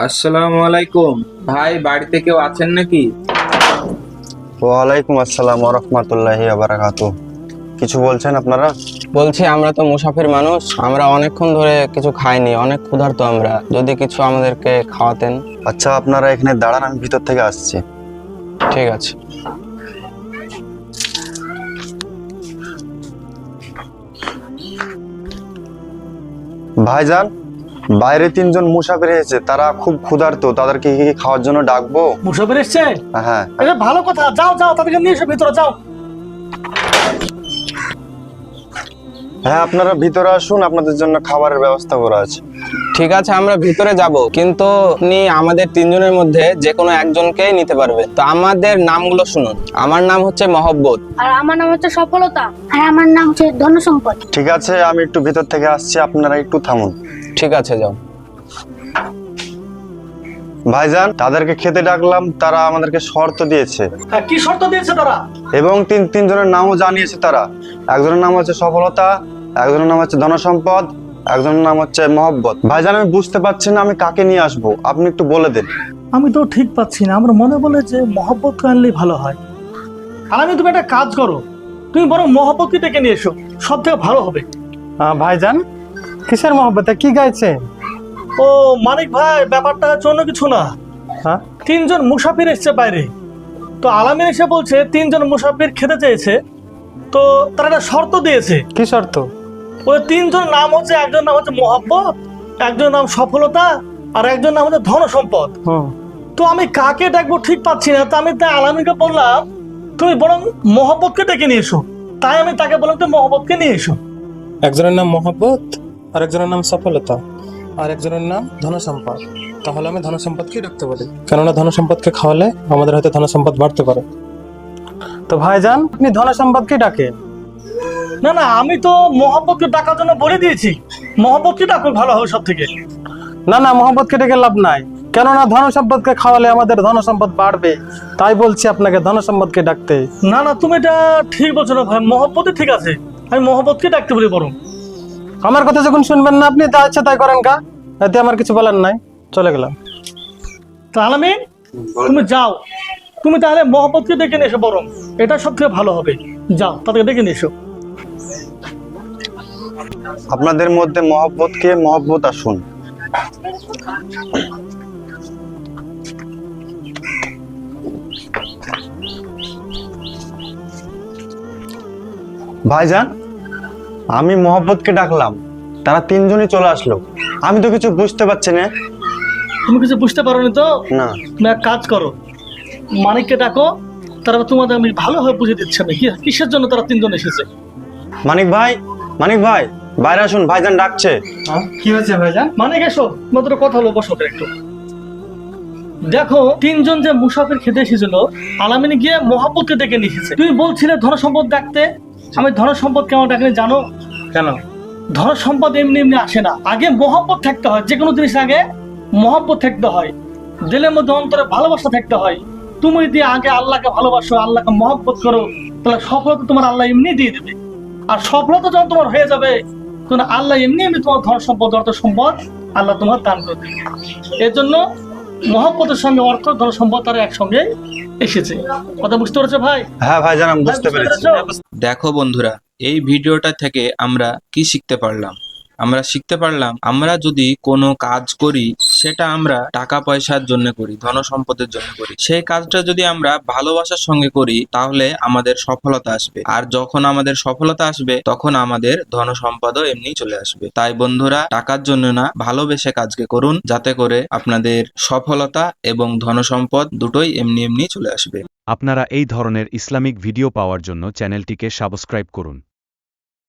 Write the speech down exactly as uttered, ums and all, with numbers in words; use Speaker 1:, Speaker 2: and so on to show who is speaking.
Speaker 1: আসসালামু আলাইকুম ভাই, বাড়িতে কেউ আছেন নাকি?
Speaker 2: ওয়ালাইকুম আসসালাম ওয়া রাহমাতুল্লাহি ওয়া বারাকাতুহু। কিছু বলছেন আপনারা?
Speaker 3: বলছি আমরা তো মুসাফির মানুষ, আমরা অনেকক্ষণ ধরে কিছু খাইনি, অনেক ক্ষুধার্ত আমরা, যদি কিছু আমাদেরকে খাওয়াতেন।
Speaker 2: আচ্ছা, আপনারা এখানে দাঁড়ান, আমি ভিতর থেকে আসছি।
Speaker 3: ঠিক আছে।
Speaker 2: ভাইজান, বাইরে তিনজন মুসাফির এসেছে, তারা খুব ক্ষুধার্ত, তাদেরকে কি কি খাওয়ার জন্য ডাকবো?
Speaker 4: মুসাফির এসছে?
Speaker 2: হ্যাঁ।
Speaker 4: এটা ভালো কথা, যাও যাও তাদেরকে নিয়ে এসো, ভিতরে যাও।
Speaker 2: হ্যাঁ, আপনারা ভিতরে আসুন, আপনাদের জন্য খাবারের ব্যবস্থা করা আছে।
Speaker 3: ঠিক আছে, আমরা ভিতরে যাব, কিন্তু আপনি আমাদের তিনজনের মধ্যে যে কোনো একজনকেই নিতে পারবে। তো আমাদের নামগুলো শুনুন। আমার নাম হচ্ছে মহব্বত।
Speaker 5: আর আমার নাম হচ্ছে সফলতা। আর আমার নাম হচ্ছে ধনসম্পদ।
Speaker 2: ঠিক আছে, আমি একটু ভিতর থেকে আসছি, আপনারা একটু থামুন।
Speaker 3: ঠিক আছে, যাও।
Speaker 2: ভাইজান, তাদেরকে খেতে ডাকলাম, তারা আমাদেরকে শর্ত দিয়েছে
Speaker 4: হ্যাঁ, কি শর্ত দিয়েছে তারা?
Speaker 2: এবং তিন তিনজনের নামও জানিয়েছে তারা। একজনের নাম হচ্ছে সফলতা, একজনের নাম হচ্ছে ধনসম্পদ, একজনের নাম হচ্ছে মহব্বত। ভাইজান, আমি বুঝতে পারছি না আমি কাকে নিয়ে আসবো, আপনি একটু বলে দেন।
Speaker 4: আমি তো ঠিক পাচ্ছি না, আমার মনে বলে যে মহব্বতকে আনলেই ভালো হয়। আর আমি, তুমি একটা কাজ করো, তুমি বরং মহব্বতকে ডেকে নিয়ে এসো, সব থেকে ভালো হবে।
Speaker 6: ভাইজান, কিসের মহব্বতে কি গাইছে?
Speaker 4: ও মানিক ভাই, ব্যাপারটা হচ্ছে অন্য কিছু না।
Speaker 6: হ্যাঁ,
Speaker 4: তিনজন মুসাফির এসছে বাইরে, তো আলামিন এসে বলছে তিনজন মুসাফির খেতে চেয়েছে, তো তারা একটা শর্ত দিয়েছে।
Speaker 6: কি শর্ত?
Speaker 4: ওই তিনজন নাম হচ্ছে, একজন নাম হচ্ছে মহব্বত, একজন নাম সফলতা, আর একজন নাম হচ্ছে ধনসম্পদ।
Speaker 6: হুম,
Speaker 4: তো আমি কাকে ডাকবো ঠিক পাচ্ছি না, তো আমি তাই আলামিনকে বললাম তুমি বরং মহব্বতকে ডেকে নিয়ে এসো। তাই আমি তাকে বললাম তুমি মহব্বতকে নিয়ে এসো।
Speaker 6: একজনের নাম মহব্বত, আর একজনের নাম সফলতা, আর একজনের নাম ধনসম্পদ। তাহলে আমি ধনসম্পদকে ডাকতে পারি, কেননা ধনসম্পদকে খাওয়ালে আমাদের হয়তো ধনসম্পদ বাড়তে পারে। তো ভাইজান, আপনি ধনসম্পদকে ডাকে?
Speaker 4: না না, আমি তো মহব্বতকে ডাকার জন্য বলে দিয়েছি, মহব্বতকে ডাকো, ভালো হবে সব থেকে।
Speaker 6: না না, মহব্বতকে ডেকে লাভ নাই, কেননা ধনসম্পদকে খাওয়ালে আমাদের ধনসম্পদ বাড়বে। তাই বলছি আপনাকে ধনসম্পদকে ডাকতে।
Speaker 4: না না, তুমি এটা ঠিক বলছো না ভাই, মহব্বতই ঠিক আছে, আমি মহব্বতকে ডাকতে বলি বরং।
Speaker 6: আমার কথা যখন শুনবেন না আপনি, তা ইচ্ছা তাই করেন কা, এতে আমার কিছু বলার নাই, চলে গেলাম।
Speaker 4: তো আলামিন, তুমি যাও, তুমি তাহলে মহব্বতকে ডেকে নিয়ে এসো বরং, এটা সব থেকে ভালো হবে। যাও তাদেরকে ডেকে নিয়ে এসো।
Speaker 2: আপনাদের মধ্যে মহব্বতকে, মহব্বত আসুন। ভাইজান, আমি মহব্বতকে ডাকলাম, তারা তিনজনই চলে আসলো, আমি তো কিছু বুঝতে পারছি না।
Speaker 4: তুমি কিছু বুঝতে পারো তো?
Speaker 2: না।
Speaker 4: তুমি এক কাজ করো, মানিককে ডাকো, তারপর তোমাদের আমি ভালোভাবে বুঝে দিচ্ছি আমি কি কিসের জন্য তারা তিনজন এসেছে।
Speaker 2: মানিক ভাই, মানিক ভাই, বাইরে আসুন, ভাইজান ডাকছে।
Speaker 6: কি হয়েছে ভাইজান?
Speaker 4: মানিক এসো, তোমাদের কথা হলো, বসো একটু। দেখো, তিনজন যে মুসাফির খেতে এসেছিল, আলামিন গিয়ে মহব্বতকে ডেকে নিয়ে এসেছে। তুমি বলছিলে ধনসম্পদ ডাকতে, আমি ধনসম্পদ কেমন ডাকলে জানো?
Speaker 6: কেন?
Speaker 4: ধনসম্পদ এমনি এমনি আসে না, আগে মহব্বত থাকতে হয়। যে কোনো জিনিস আগে মহব্বত থাকতে হয়, দিলের মধ্যে অন্তরে ভালোবাসা থাকতে হয়। তুমি যদি আগে আল্লাহকে ভালোবাসো, আল্লাহকে মহব্বত করো, তাহলে সফলতা তোমার আল্লাহ এমনি দিয়ে দেবে। আর সফলতা যখন তোমার হয়ে যাবে, তখন আল্লাহ এমনি এমনি তোমার ধন সম্পদ, অর্থ সম্পদ আল্লাহ তোমার দান করে দেবে। এর জন্য মহব্বতের সঙ্গে অর্থ, ধন সম্পদ তারা একসঙ্গে এসেছে। কথা বুঝতে পেরেছো ভাই?
Speaker 2: হ্যাঁ ভাইজান, আমি বুঝতে পেরেছি।
Speaker 1: দেখো বন্ধুরা, এই ভিডিওটা থেকে আমরা কি শিখতে পারলাম? আমরা শিখতে পারলাম, আমরা যদি কোনো কাজ করি সেটা আমরা টাকা পয়সার জন্য করি, ধন সম্পদের জন্য করি, সেই কাজটা যদি আমরা ভালোবাসার সঙ্গে করি তাহলে আমাদের সফলতা আসবে। আর যখন আমাদের সফলতা আসবে তখন আমাদের ধন সম্পদও এমনি চলে আসবে। তাই বন্ধুরা, টাকার জন্য না, ভালোবেসে কাজকে করুন, যাতে করে আপনাদের সফলতা এবং ধন সম্পদ দুটোই এমনি এমনি চলে আসবে।
Speaker 7: আপনারা এই ধরনের ইসলামিক ভিডিও পাওয়ার জন্য চ্যানেলটিকে সাবস্ক্রাইব করুন।